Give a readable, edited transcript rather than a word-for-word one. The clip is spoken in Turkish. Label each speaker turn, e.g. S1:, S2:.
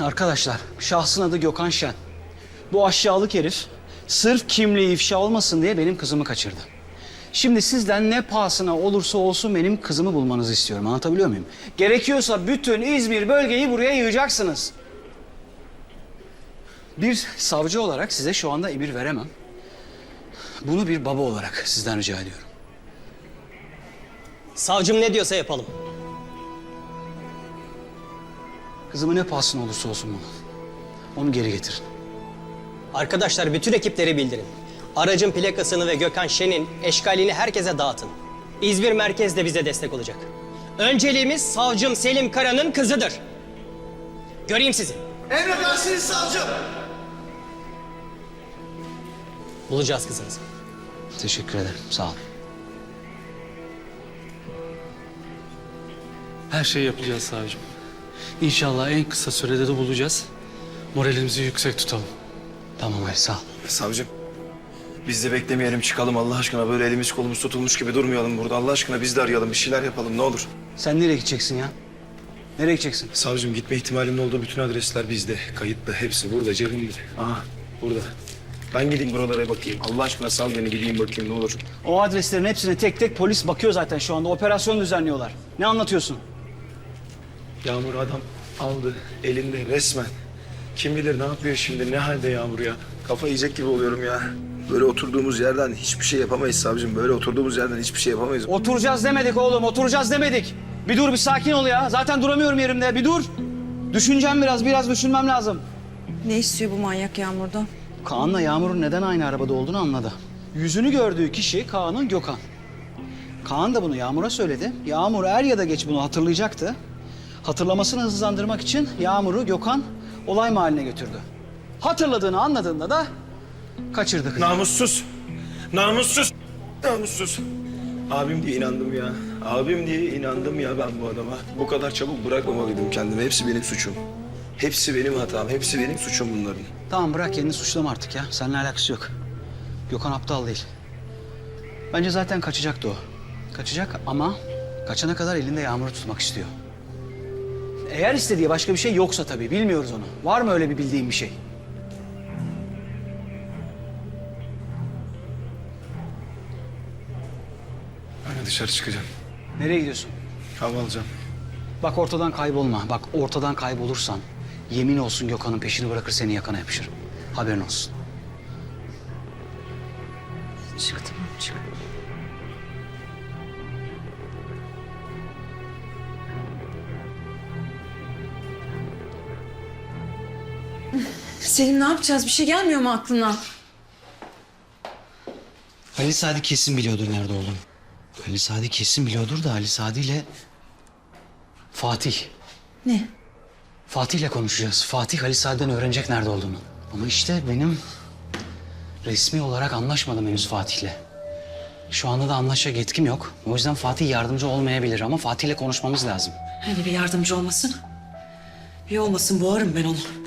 S1: Arkadaşlar, şahsın adı Gökhan Şen. Bu aşağılık herif sırf kimliği ifşa olmasın diye benim kızımı kaçırdı. Şimdi sizden ne pahasına olursa olsun benim kızımı bulmanızı istiyorum. Anlatabiliyor muyum? Gerekiyorsa bütün İzmir bölgeyi buraya yığacaksınız. Bir savcı olarak size şu anda emir veremem. Bunu bir baba olarak sizden rica ediyorum.
S2: Savcım ne diyorsa yapalım.
S1: Kızımı ne pahasına olursa olsun bunu. Onu geri getirin.
S2: Arkadaşlar bütün ekipleri bildirin. Aracın plakasını ve Gökhan Şen'in eşkalini herkese dağıtın. İzmir merkez de bize destek olacak. Önceliğimiz savcım Selim Kara'nın kızıdır. Göreyim sizi.
S3: Emredersiniz savcım.
S2: Bulacağız kızınızı.
S1: Teşekkür ederim. Sağ olun.
S4: Her şeyi yapacağız savcım. İnşallah en kısa sürede de bulacağız. Moralimizi yüksek tutalım.
S1: Tamam Ali, sağ ol.
S3: Savcım, biz de beklemeyelim, çıkalım Allah aşkına. Böyle elimiz kolumuz tutulmuş gibi durmayalım burada. Allah aşkına biz de arayalım, bir şeyler yapalım ne olur.
S1: Sen nereye gideceksin ya? Nereye gideceksin?
S3: Savcım, gitme ihtimalimin olduğu bütün adresler bizde. Kayıtlı, hepsi burada, cebimde. Aha, burada. Ben gideyim buralara bakayım. Allah aşkına sal beni, gideyim bakayım ne olur.
S1: O adreslerin hepsine tek tek polis bakıyor zaten şu anda. Operasyon düzenliyorlar. Ne anlatıyorsun?
S3: Yağmur adam aldı, elinde resmen. Kim bilir ne yapıyor şimdi, ne halde Yağmur ya. Kafa yiyecek gibi oluyorum ya. Böyle oturduğumuz yerden hiçbir şey yapamayız savcım. Böyle oturduğumuz yerden hiçbir şey yapamayız.
S1: Oturacağız demedik oğlum, oturacağız demedik. Bir dur, bir sakin ol ya. Zaten duramıyorum yerimde. Bir dur. Düşüneceğim biraz düşünmem lazım.
S5: Ne istiyor bu manyak Yağmur'dan?
S1: Kaan'la Yağmur'un neden aynı arabada olduğunu anladı. Yüzünü gördüğü kişi Kaan'ın Gökhan. Kaan da bunu Yağmur'a söyledi. Yağmur er ya da geç bunu hatırlayacaktı. Hatırlamasını hızlandırmak için Yağmur'u Gökhan olay mahalline götürdü. Hatırladığını anladığında da kaçırdı kızı.
S3: Namussuz. Namussuz. Namussuz. Abim diye inandım ya. Abim diye inandım ya ben bu adama. Bu kadar çabuk bırakmamalıydım kendimi. Hepsi benim suçum. Hepsi benim hatam. Hepsi benim suçum bunların.
S1: Tamam bırak kendini suçlama artık ya. Seninle alakası yok. Gökhan aptal değil. Bence zaten kaçacaktı o. Kaçacak ama kaçana kadar elinde Yağmur'u tutmak istiyor. Eğer istediği başka bir şey yoksa tabii bilmiyoruz onu. Var mı öyle bir bildiğin bir şey?
S3: Ben de dışarı çıkacağım.
S1: Nereye gidiyorsun?
S3: Hava alacağım.
S1: Bak ortadan kaybolma. Bak ortadan kaybolursan yemin olsun Gökhan'ın peşini bırakır seni yakana yapışır. Haberin olsun.
S5: Çık tamam çık. Selim ne yapacağız? Bir şey gelmiyor mu aklına?
S1: Ali Sadi kesin biliyordur nerede olduğunu. Ali Sadi kesin biliyordur da Ali Sadi ile Fatih.
S5: Ne?
S1: Fatih'le konuşacağız. Fatih Ali Sadi'den öğrenecek nerede olduğunu. Ama işte benim resmi olarak anlaşmadım henüz Fatih'le. Şu anda da anlaşacak yetkim yok. O yüzden Fatih yardımcı olmayabilir ama Fatih'le konuşmamız lazım.
S5: Hani bir yardımcı olmasın? Bir olmasın boğarım ben onu.